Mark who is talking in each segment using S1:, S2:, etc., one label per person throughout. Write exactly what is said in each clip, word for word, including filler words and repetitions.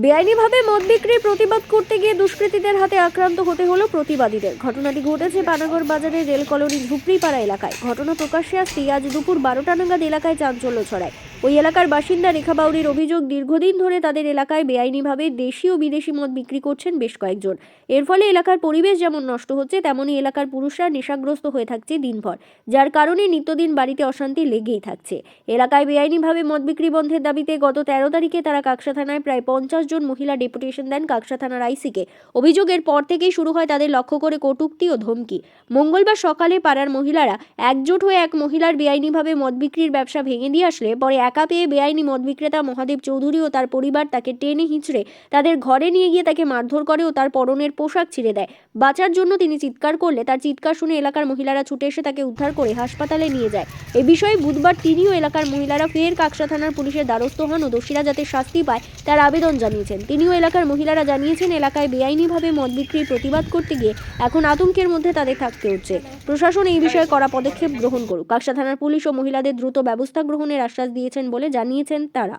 S1: বেআইনিভাবে মদ বিক্রির প্রতিবাদ করতে গিয়ে দুষ্কৃতীদের হাতে আক্রান্ত হতে হলো প্রতিবাদীদের। ঘটনাটি ঘটেছে পানাগড় বাজারের রেল কলোনি ঝুপড়িপাড়া এলাকায়। ঘটনা প্রকাশ্যে আসতেই আজ দুপুর বারোটা নাগাদ এলাকায় চাঞ্চল্য ছড়ায়। ওই এলাকার বাসিন্দা রেখা বাউরির অভিযোগ, দীর্ঘদিন ধরে তাদের এলাকায় বেআইনিভাবে দেশি ও বিদেশি মদ বিক্রি করছেন বেশ কয়েকজন। এর ফলে এলাকার পরিবেশ যেমন নষ্ট হচ্ছে, তেমনি এলাকার পুরুষরা নেশাগ্রস্ত হয়ে থাকছে দিনভর, যার কারণে নিত্যদিন বাড়িতে অশান্তি লেগেই থাকছে। এলাকায় বেআইনিভাবে মদ বিক্রি বন্ধের দাবিতে গত তেরো তারিখে তারা কাকসা থানায় প্রায় পঞ্চাশ জন মহিলা ডেপুটেশন দেন কাকসা থানার আইসিকে। অভিযোগের পর থেকেই শুরু হয় তাদের লক্ষ্য করে কটূক্তি ও ধমকি। মঙ্গলবার সকালে পাড়ার মহিলারা একজোট হয়ে এক মহিলার বেআইনিভাবে মদ বিক্রির ব্যবসা ভেঙে দিয়ে আসলে পরে একা পেয়ে বেআইনি মদ বিক্রেতা মহাদেব চৌধুরী ও তার পরিবার তাকে টেনে হিঁচড়ে তাদের ঘরে নিয়ে গিয়ে তাকে মারধর করে ও তার পরনের পোশাক ছিঁড়ে দেয়। বাঁচার জন্য তিনি চিৎকার করলে তার চিৎকার শুনে এলাকার মহিলারা ছুটে এসে তাকে উদ্ধার করে হাসপাতালে নিয়ে যায়। এ বিষয়ে বুধবার তিনিও এলাকার মহিলারা ফের কাকসা থানার পুলিশের দ্বারস্থ হন ও দোষীরা যাতে শাস্তি পায় তার আবেদন জানিয়েছেন। তিনিও এলাকার মহিলারা জানিয়েছেন, এলাকায় বেআইনিভাবে মদ বিক্রির প্রতিবাদ করতে গিয়ে এখন আতঙ্কের মধ্যে তাদের থাকতে হচ্ছে। প্রশাসন এই বিষয়ে কড়া পদক্ষেপ গ্রহণ করুক। কাকসা থানার পুলিশ ও মহিলাদের দ্রুত ব্যবস্থা গ্রহণের আশ্বাস দিয়েছেন বলে জানিয়েছেন তারা।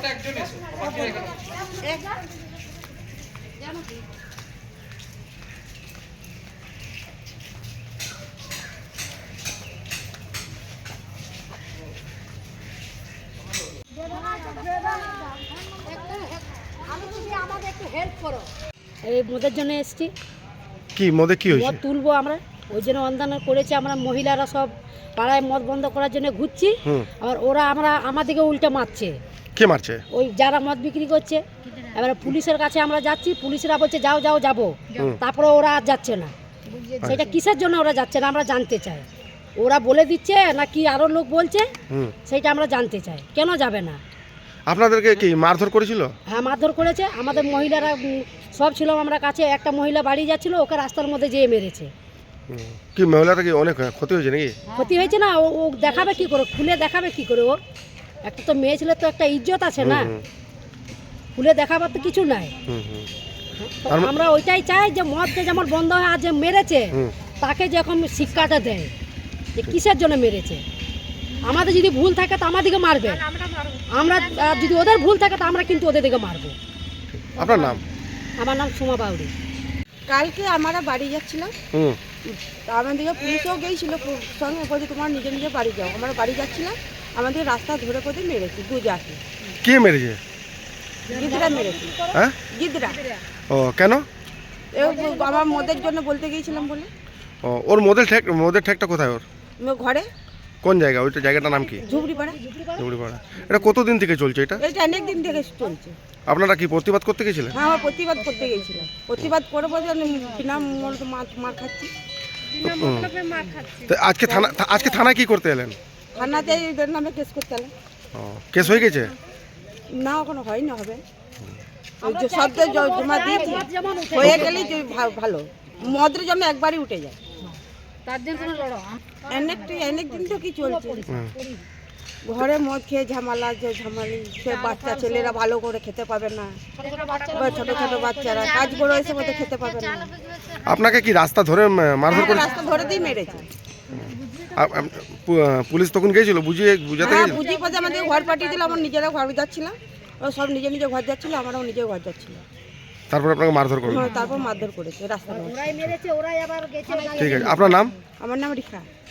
S2: এই মদের জন্য এসছি।
S3: কি মদে কি হয়েছে?
S2: মদ তুলবো আমরা, ওই জন্য আন্দোলন করেছি। আমরা মহিলারা সব পাড়ায় মদ বন্ধ করার জন্য ঘুরছি। আর ওরা আমরা আমাদেরকে উল্টে মারছে।
S3: কে মারছে?
S2: ওই যারা মদ বিক্রি করছে। এবারে পুলিশের কাছে আমরা যাচ্ছি, পুলিশরা বলছে যাও যাও যাবো, তারপরে ওরা আর যাচ্ছে না। সেটা কিসের জন্য ওরা যাচ্ছে না আমরা জানতে চাই। ওরা বলে দিচ্ছে না কি আরো লোক বলছে, সেটা আমরা জানতে চাই কেন যাবে না।
S3: আপনাদেরকে কি মারধর করেছিল?
S2: হ্যাঁ, মারধর করেছে। আমাদের মহিলারা সব ছিল আমরা কাছে, একটা মহিলা বাড়ি যাচ্ছিল, ওকে রাস্তার মধ্যে যেয়ে মেরেছে।
S3: কি মহিলাটা কি অনেক ক্ষতি হয়েছে নাকি?
S2: ক্ষতি হয়েছে না, ও ও দেখাবে কি করে, খুলে দেখাবে কি করে? ওর একটা তো মেয়ে ছেলে তো একটা ইজ্জত আছে না, খুলে দেখাবার তো কিছু নাই। আমরা ওইটাই চাই যে মদকে যেমন বন্ধ হয়, আর যে মেরেছে তাকে যখন শিক্ষাটা দেয় যে কিসের জন্য মেরেছে। আমাদের যদি ভুল থাকে তো আমাদেরকে মারবে, আমরা যদি ওদের ভুল থাকে তো আমরা কিন্তু ওদের দিকে মারবো।
S3: আপনার নাম?
S2: আমার নাম সুমা বাউরি।
S4: কালকে আমরা বাড়ি যাচ্ছিলাম, আমাদেরকে পুলিশও গিয়েছিল সঙ্গে, বলছে তোমার নিজে নিজে বাড়ি যাও। আমরা বাড়ি যাচ্ছিলাম, আমাদের রাস্তা ধরে পথে মেরেছি দু জাতি।
S3: কে মেরেছে?
S4: গিদরা মেরেছে।
S3: হ্যাঁ,
S4: গিদরা।
S3: ও কেন?
S4: আমার মদের জন্য বলতে গিয়েছিলাম বলে।
S3: ও ওর মদের ঠেক মদের ঠেকটা কোথায় ওর?
S4: ঘরে।
S3: কোন জায়গা? ওইটা জায়গাটার নাম কি?
S4: ঝুপড়িপাড়া।
S3: ঝুপড়িপাড়া। এটা কতদিন থেকে চলছে এটা?
S4: এটা অনেক দিন থেকে চলছে।
S3: আপনারা কি প্রতিবাদ করতে গেছিলেন?
S4: হ্যাঁ, আমরা প্রতিবাদ করতে গিয়েছিলাম। প্রতিবাদ করবো যে বিনা মার খাচ্ছি।
S3: তো আজকে থানা আজকে থানায় কি করতে এলেন?
S4: থানাতে এদের নামে কেস করতে এলাম।
S3: ও কেস হয়ে গেছে?
S4: না, এখনো হয়নি, হবে। শব্দ জমা দিয়েছি, হয়ে গেলেই ভালো। মদের জন্য একবারই উঠে যায়। অনেক দিন তো কি চলছে, ঘরে মদ খেয়ে ঝামেলা, যে ঝামেলি, সে বাচ্চা ছেলেরা ভালো করে খেতে পাবে না, ছোট ছোট বাচ্চারা কাজ করে এসে মধ্যে খেতে পাবে না।
S3: আপনাকে কি রাস্তা ধরে মারধর করে?
S4: রাস্তা ধরে দিয়ে মেরেছে।
S3: পুলিশ তখন গিয়েছিল বুঝিয়ে বুঝাতে?
S4: হ্যাঁ, বুঝিয়ে পথে আমাদের ঘর পাঠিয়ে দিল। আমরা নিজেরা ঘর যাচ্ছিলাম, ও সব নিজে নিজে ঘর যাচ্ছিল, আমরাও নিজে ঘর যাচ্ছিলাম।
S3: তারপর আপনাকে মারধর করলো?
S4: তারপর মারধর করেছে রাস্তা।
S3: ঠিক আছে, আপনার নাম?
S4: আমার নাম রিখা।